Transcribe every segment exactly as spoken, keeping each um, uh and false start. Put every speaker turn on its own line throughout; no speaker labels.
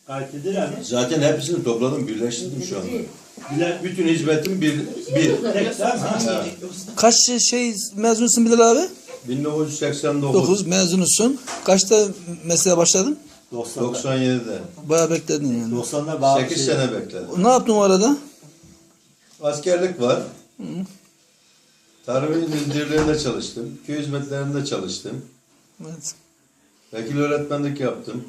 Kayıtlıdır abi.
Zaten hepsini topladım, birleştirdim şu anda.
Bile-
Bütün hizmetim bir. bir.
Tek sen ha.
Kaç şey mezunsun Bilal abi?
bin dokuz yüz seksen dokuz.
dokuz mezunsun. Kaçta mesleğe başladın?
doksan'da.
doksan yedide.
Bayağı bekledin yani.
doksan'da bazı
sekiz
şey-
sene bekledim.
Ne yaptın o arada?
Askerlik var. Tarım İl Müdürlüğü'nde çalıştım. Köy hizmetlerinde çalıştım.
Evet.
Vekil öğretmenlik yaptım.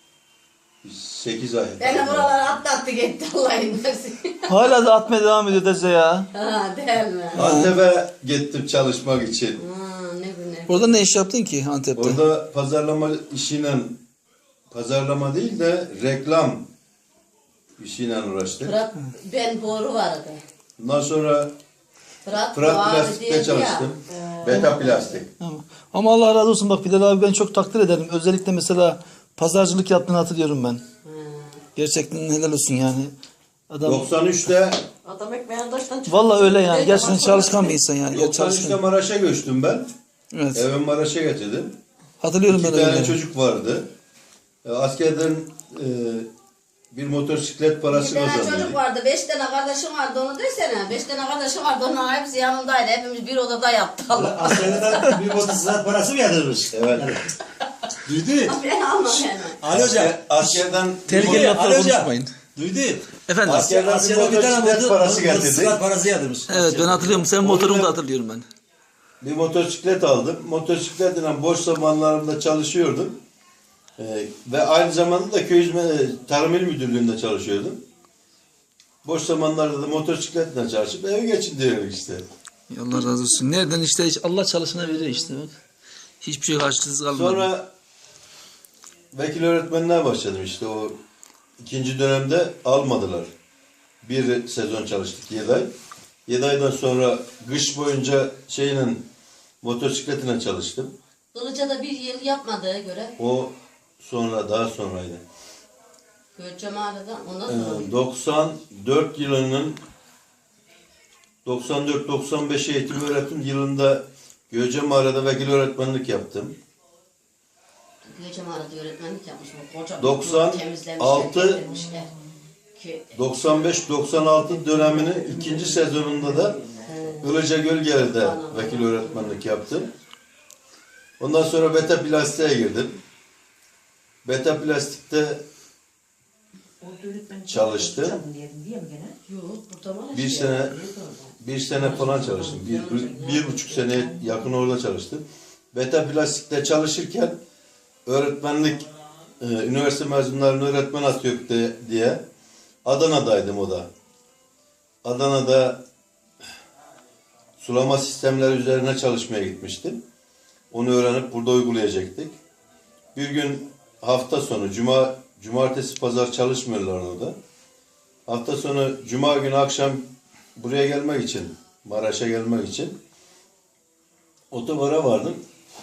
sekiz ay.
Beni buralara atlattı gitti Allah'ın versin.
Hala da atmaya devam ediyor Deze ya.
Ha değil mi?
Antep'e gittim çalışmak için.
Ha ne bu ne.
Orada ne iş yaptın ki Antep'te?
Orada pazarlama işiyle, pazarlama değil de reklam işiyle uğraştık.
Fırat ben boru vardı.
Ondan sonra
Fırat,
Fırat
Boğazı
Plastik'te
diyordu ya.
çalıştım. Beta Plastik.
Ama, ama Allah razı olsun bak Bilal abi ben çok takdir ederim. Özellikle mesela pazarcılık yaptığını hatırlıyorum ben. Gerçekten helal olsun yani. Adam
doksan üçte
Adam ekmeğin taştan çıktı.
vallahi öyle yani. Gerçekten çalışkan bir insan yani.
doksan üçte
Çalışkan.
Maraş'a göçtüm ben.
Evet.
Evimi Maraş'a getirdim.
Hatırlıyorum
İki
ben
tane
öyle.
çocuk vardı. E, Askerden e, bir motosiklet
Bir
parası
tane
kazandık.
çocuk vardı, beş tane kardeşim vardı onu desene. Beş tane kardeşim vardı, onlar hepsi yanımdaydı. Hepimiz bir odada yattık. Allah.
Askerden bir motosiklet parası mı yatırmış?
Evet.
Duydu.
Ben anlamıyorum.
Ali Hoca.
Asker- Askerden
Tehlikeli
Ali
laflar
Hoca.
konuşmayın.
Duydu.
Efendim.
Askerden bir
Askerden bir tane
motosiklet
moto-
parası getirdik.
motosiklet parası yatırmış.
Evet ben hatırlıyorum. Sen motorunu da hatırlıyorum ben.
Bir motosiklet aldım. Motosikletle boş zamanlarımda çalışıyordum. Ee, ve aynı zamanda da köy hizmet, Tarım İl Müdürlüğü'nde çalışıyordum. Boş zamanlarda da motosikletle çalışıp evi geçindiriyoruz işte.
Allah razı olsun. Nereden işte hiç Allah çalışana veriyor işte bak. Hiçbir şey harçsız kalmadı.
Sonra vekil öğretmenliğe başladım işte o ikinci dönemde almadılar. Bir sezon çalıştık yedi ay. Yedi aydan sonra kış boyunca şeyle motosikletine çalıştım.
Kılıç'a bir yıl yapmadığı göre
O sonra daha sonraydı.
Göçe mağarada ondan
Ee,
sonra.
doksan dört yılının doksan dört doksan beş eğitim öğretim yılında Göce Mağara'da vekil öğretmenlik yaptım.
Göçe mağarada öğretmenlik yapmış. O koca
doksan
temizlemişler,
altı
getirmişler. Ki,
doksan beş doksan altı döneminin ikinci sezonunda da Ilıca Gölgeli'de vekil öğretmenlik yaptım. Ondan sonra Beta Plastik'e girdim. Beta Plastik'te çalıştım.
yok burada var
Bir
işte.
sene bir sene falan çalıştım. Bir, bir buçuk sene yakın orada çalıştım. Beta Plastik'te çalışırken öğretmenlik e, üniversite mezunlarını öğretmen atıyor de- diye Adana'daydım o da. Adana'da sulama sistemleri üzerine çalışmaya gitmiştim. Onu öğrenip burada uygulayacaktık. Bir gün hafta sonu, cuma, cumartesi, pazar çalışmıyorlar orada. Hafta sonu, cuma günü akşam buraya gelmek için, Maraş'a gelmek için otobara vardım.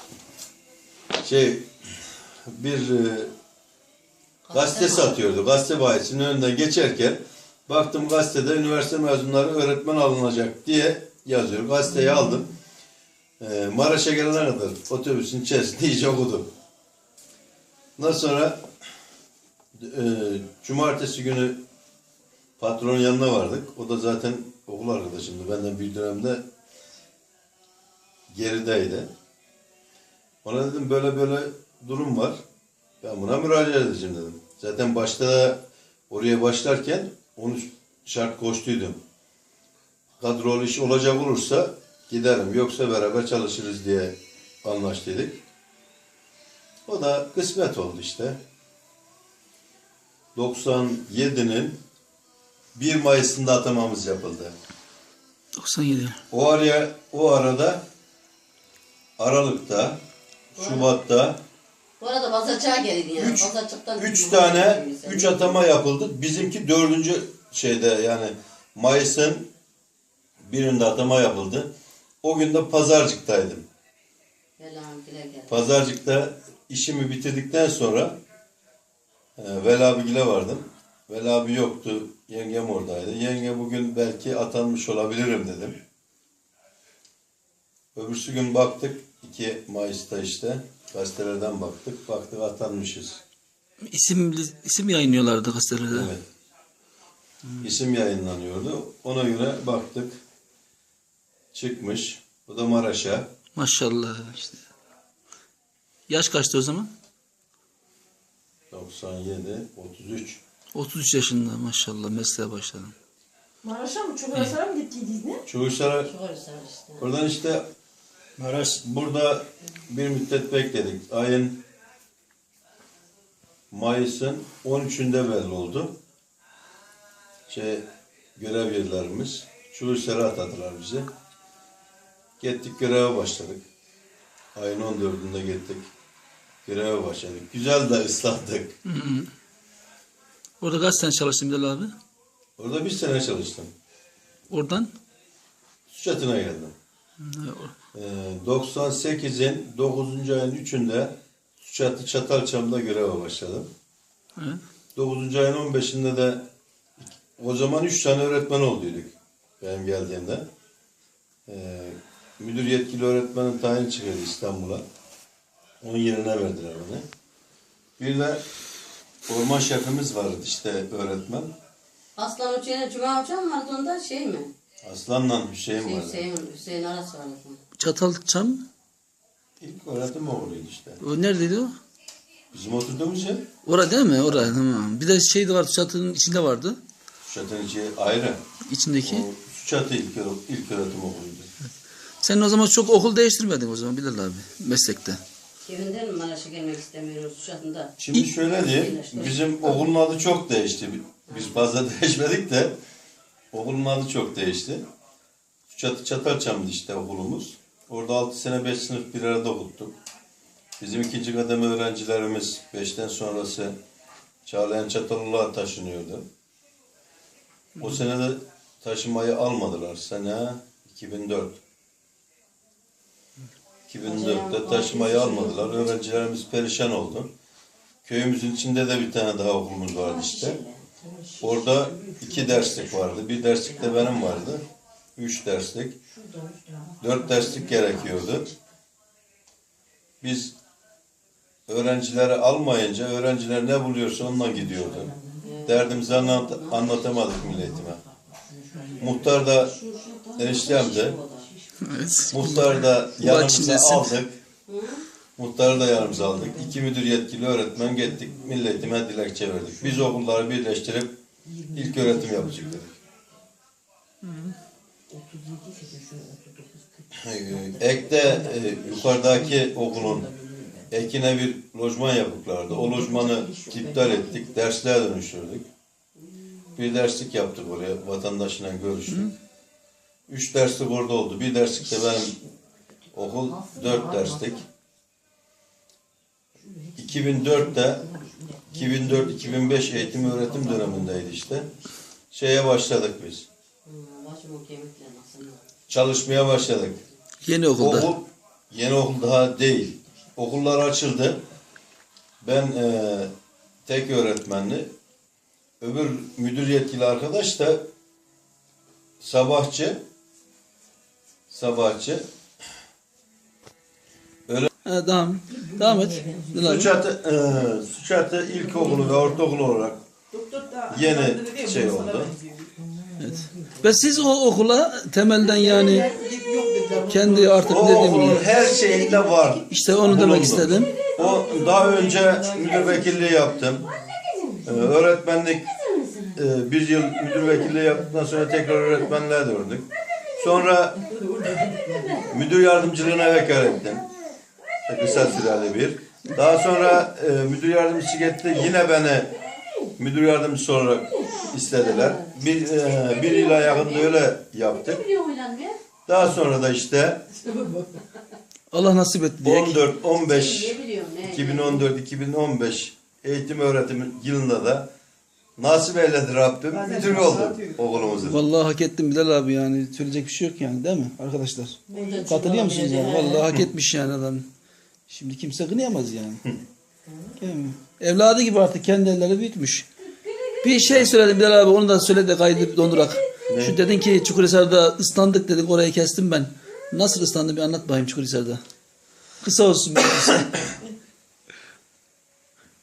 Şey, bir e, gazete satıyordu. Gazete bayisinin önünden geçerken baktım gazetede üniversite mezunları öğretmen alınacak diye yazıyor. Gazeteyi aldım. E, Maraş'a gelene kadar otobüsün içerisinde iyice okudum. Ondan sonra e, cumartesi günü patronun yanına vardık. O da zaten okul arkadaşımdı. Benden bir dönemde gerideydi. Ona dedim böyle böyle durum var. Ben buna müracaat edeceğim dedim. Zaten başta da oraya başlarken onu şart koştuydum. Kadrolu iş olacak olursa giderim. Yoksa beraber çalışırız diye anlaştıydık. O da kısmet oldu işte. doksan yedinin bir Mayıs'ında atamamız yapıldı.
doksan yedi.
O araya o arada Aralık'ta, Şubat'ta
Bu arada Basacak'a gelin yani.
Üç-
Basacak'tan
üç tane üç atama yapıldı. Bizimki dördüncü şeyde yani Mayıs'ın birinde atama yapıldı. O gün de Pazarcık'taydım. Pazarcık'ta işimi bitirdikten sonra e, Veli abigile vardım. Veli abi yoktu. Yengem oradaydı. Yenge bugün belki atanmış olabilirim dedim. Öbürsü gün baktık. iki Mayıs'ta işte gazetelerden baktık. Baktık atanmışız.
İsim, isim yayınlıyorlardı gazetelerde.
Evet. İsim yayınlanıyordu. Ona göre baktık. Çıkmış. O da Maraş'a.
Maşallah işte. Yaş kaçtı o zaman?
doksan yedi, otuz üç.
otuz üç yaşında maşallah mesleğe başladım.
Maraş'a mı? Çukurasar'a mı gittiydiniz ne?
Çavuşlara
Çok öyle işte.
oradan işte
Maraş.
burada bir müddet bekledik. Ayın Mayıs'ın on üçünde belli oldu. Şey, görev yerlerimiz. Çavuşlara atadılar bizi. Gittik göreve başladık. Ayın on dördünde gittik. Göreve başladık. Güzel de ıslattık.
Orada kaç sene çalıştın Bilal abi?
Orada bir sene çalıştım.
Oradan?
Suçatı'na geldim. Ee, doksan sekizin dokuzuncu ayın üçünde Suçatı Çatalçam'da göreve başladım.
Evet.
dokuzuncu ayın on beşinde de o zaman üç tane öğretmen olduyduk benim geldiğimde. Ee, müdür yetkili öğretmenin tayin çıkardı İstanbul'a. Onun yerine verdiler beni. Bir de orman şefimiz vardı işte öğretmen.
Aslan Uçay'la Cuma Uçan vardı onda şey mi?
Aslan'la Hüseyin
Şey,
vardı.
Hüseyin, Hüseyin Aras vardı.
Çatalçam.
İlk öğretim oğluydu işte.
O neredeydi o?
Bizim oturduğumuz yer
Orada değil mi? Orada tamam. Bir de şey de vardı çatının içinde vardı.
Suçatı'nın içi ayrı.
İçindeki.
O Suçatı ilk, ilk öğretim okuluydu.
Sen o zaman çok okul değiştirmedin o zaman Bilal abi meslekte.
Evinden mi Maraş'a gelmek istemiyoruz Uşak'ında?
Şimdi şöyle diyeyim, bizim okulun adı çok değişti. Biz fazla değişmedik de okulun adı çok değişti. Çat Çatalçam'dı işte okulumuz. Orada altı sene beş sınıf bir arada okuttuk. Bizim ikinci kademe öğrencilerimiz beşten sonrası Çağlayan Çatallı'ya taşınıyordu. O sene de taşımayı almadılar. Sene iki bin dört. iki bin dörtte taşımayı almadılar. Öğrencilerimiz perişan oldu. Köyümüzün içinde de bir tane daha okulumuz vardı işte. Orada iki derslik vardı. Bir derslik de benim vardı. Üç derslik. Dört derslik gerekiyordu. Biz öğrencileri almayınca öğrenciler ne buluyorsa ondan gidiyordu. Derdimizi anlat anlatamadık milletime. Muhtar da eniştem de
Evet.
Muhtarı da yanımıza
içindesin.
aldık. Muhtarı da yanımıza aldık. İki müdür yetkili öğretmen gittik. Milletime dilekçe verdik. Biz okulları birleştirip ilk öğretim yapacaktık. Ee, Ek'te e, yukarıdaki okulun Ekine bir lojman yapıklardı. O lojmanı iptal ettik. Dersliğe dönüştürdük. Bir derslik yaptık oraya. Vatandaşla görüştük. Üç derslik orada oldu. Bir derslik de benim okul dört derslik. iki bin dörtte iki bin dört iki bin beş eğitim öğretim dönemindeydi işte. Şeye başladık biz.
Başımın kemikleri nasıl?
Çalışmaya başladık.
Yeni okulda.
Okul yeni okul daha değil. Okullar açıldı. Ben e, tek öğretmenli. Öbür müdür yetkili arkadaş da sabahçı. Sabahçı.
Ha, devam. Devam et. Bilal abi.
Suçatı, e, Suçatı ilkokulu ve ortaokul olarak yeni şey oldu.
Evet. Ve siz o okula temelden yani kendi artık
O
dediğim
okulun
gibi
her şeyinde var.
işte onu demek
bulundu.
istedim.
O daha önce müdür vekilliği yaptım. Ee, öğretmenlik e, bir yıl müdür vekilliği yaptıktan sonra tekrar öğretmenliğe döndük. Sonra müdür yardımcılığına vekalet ettim. Kısa süreli bir. Daha sonra e, müdür yardımcısı gitti. Yine beni müdür yardımcısı olarak istediler. Bir, e, bir yıla yakında öyle yaptık. Daha sonra da işte
Allah nasip etti diye.
on dört on beş
Ne biliyorum ne?
iki bin on dört iki bin on beş eğitim öğretim yılında da nasip eyledi Rabbim müdür oldu okulumuzun.
Vallahi hak ettim Bilal abi yani söyleyecek bir şey yok yani değil mi arkadaşlar? Katılıyor musunuz yani? Vallahi hak etmiş yani adam. Şimdi kimse kınayamaz yani. Değil mi? Evladı gibi artık kendi elleri büyütmüş. Bir şey söyledim Bilal abi onu da söyle de kaydı dondurak. Şu dedin ki Çukurhisar'da ıslandık dedik orayı kestim ben. Nasıl ıslandın bir anlat bakayım Çukurhisar'da. Kısa olsun. Bir kısa.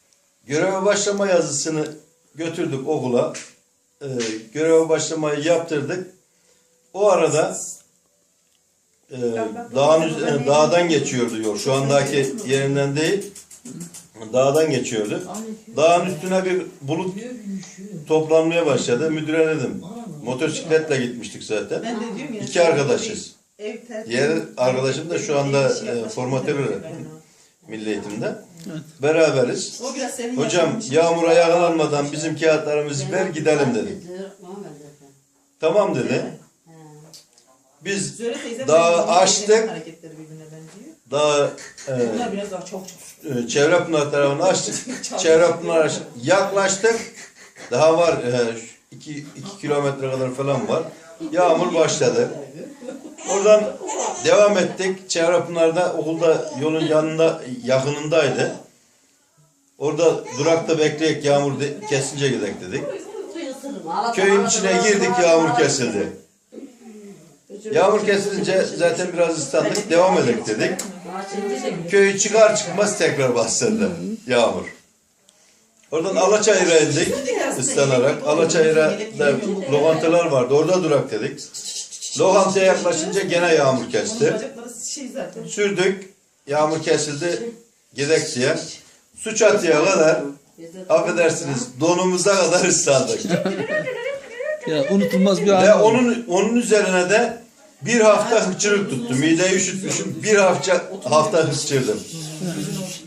Göreve başlama yazısını götürdük okula. Ee, göreve başlamayı yaptırdık. O arada e, dağın üz- dağdan geçiyordu yol. Şu andaki yerinden değil. Dağdan geçiyordu. Dağın üstüne bir bulut toplanmaya başladı. Müdüre dedim. Motosikletle gitmiştik zaten.
Ben de diyorum ya.
İki arkadaşız.
Ev terk-
Diğer arkadaşım da şu anda e, formatör öğretmen. Milli Eğitim'de. Beraberiz.
O biraz senin
Hocam
yaşadığın
yağmura yakalanmadan bizim kağıtlarımızı ver gidelim dedim. Tamam dedi. Biz
Zöhre teyzem
Dağı
benim
açtık.
teyzemin hareketleri birbirine benziyor.
daha e,
Bunlar biraz daha çok çok.
e, Çevrepınar tarafını açtık. Çevrepınar yaklaştık. Daha var e, iki, iki kilometre kadar falan var. Yağmur başladı. Oradan devam ettik. Çevrepınar'da okulda yolun yanında yakınındaydı. Orada durakta bekleyek yağmur de, kesince gidelim dedik. Köyün içine girdik, yağmur kesildi. Yağmur kesilince zaten biraz ıslandık, devam edelim dedik. Köyü çıkar çıkmaz tekrar bastırdı yağmur. Oradan Alaçayır'a indik ıslanarak. Alaçayır'a da lokantalar vardı, orada durak dedik. Lokantaya yaklaşınca gene yağmur kesti.
Bacakları şey zaten.
Sürdük, yağmur kesildi, gidek diye. Su çatıya kadar, affedersiniz, donumuza kadar ıslandık.
Ya unutulmaz bir
Ve
an.
onun onun üzerine de bir hafta hıçırık tuttu. Mideyi üşütmüşüm. Bir hafta hafta hıçırdım.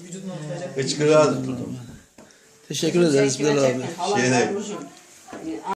Hıçkırığa tutuldum.
Teşekkür ederiz Bilal abi.
Şey değil.